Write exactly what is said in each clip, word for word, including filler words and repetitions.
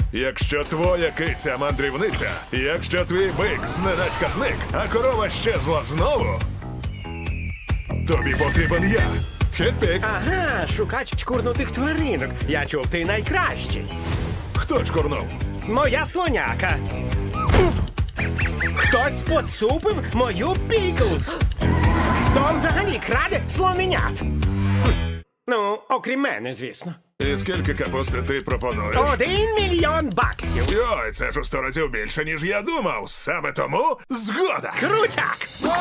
Якщо твоя киця мандрівниця, якщо твій бик зненацька зник, а корова щезла знову, тобі потрібен я. Хетпік. Ага, шукач чкурнутих тваринок. Я чув, ти найкращий. Хто чкурнув? Моя слоняка. Хтось поцупив мою Піклз. Хто взагалі краде слоненят? Хм. Ну, окрім мене, звісно. І скільки капусти ти пропонуєш? Один мільйон баксів. Йой, це ж у сто разів більше, ніж я думав. Саме тому згода. Крутяк!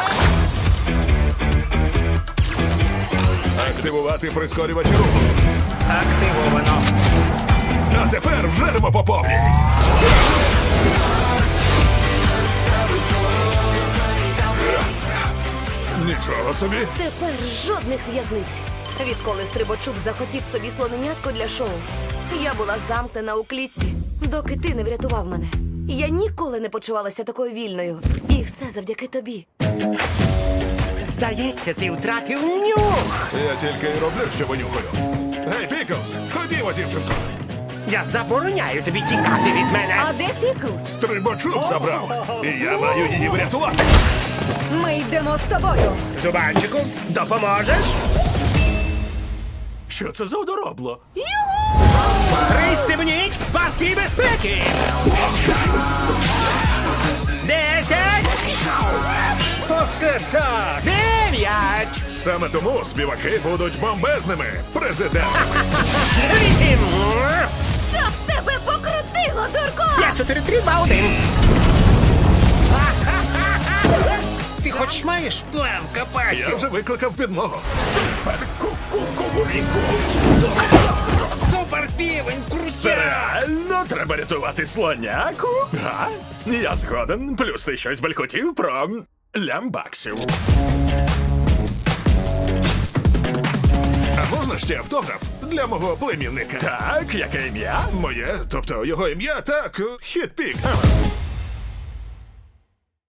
Активувати прискорювач руху. Активовано. А тепер вжеремо по повній. Нічого собі. Тепер жодних в'язниць. Відколи Стрибачук захотів собі слоненятко для шоу, я була замкнена у клітці, доки ти не врятував мене. Я ніколи не почувалася такою вільною. І все завдяки тобі. Здається, ти втратив нюх. Я тільки й роблю, що винюхаю. Гей, Піклз, ходімо, дівчинко. Я забороняю тобі тікати від мене. А де Піклз? Стрибачок забрав. І я маю її врятувати. Ми йдемо з тобою. Зубанчику, допоможеш? Що це за одоробло? Пристебніть паски безпеки! Десять! Оце так! Дев'ять! Саме тому співаки будуть бомбезними. Президент. Вісім! Щоб тебе покрутило, дурко! П'ять, чотири, три, два, один! Ти хоч маєш план капасів? Я вже викликав підмогу. Супер півень, крутя! Реально треба рятувати слоняку? Га? Я згоден. Плюс ти щось балькотів про лямбаксів. А можна ще автограф для мого племінника? Так, яке ім'я? Моє, тобто його ім'я, так, Хетпік. Ага.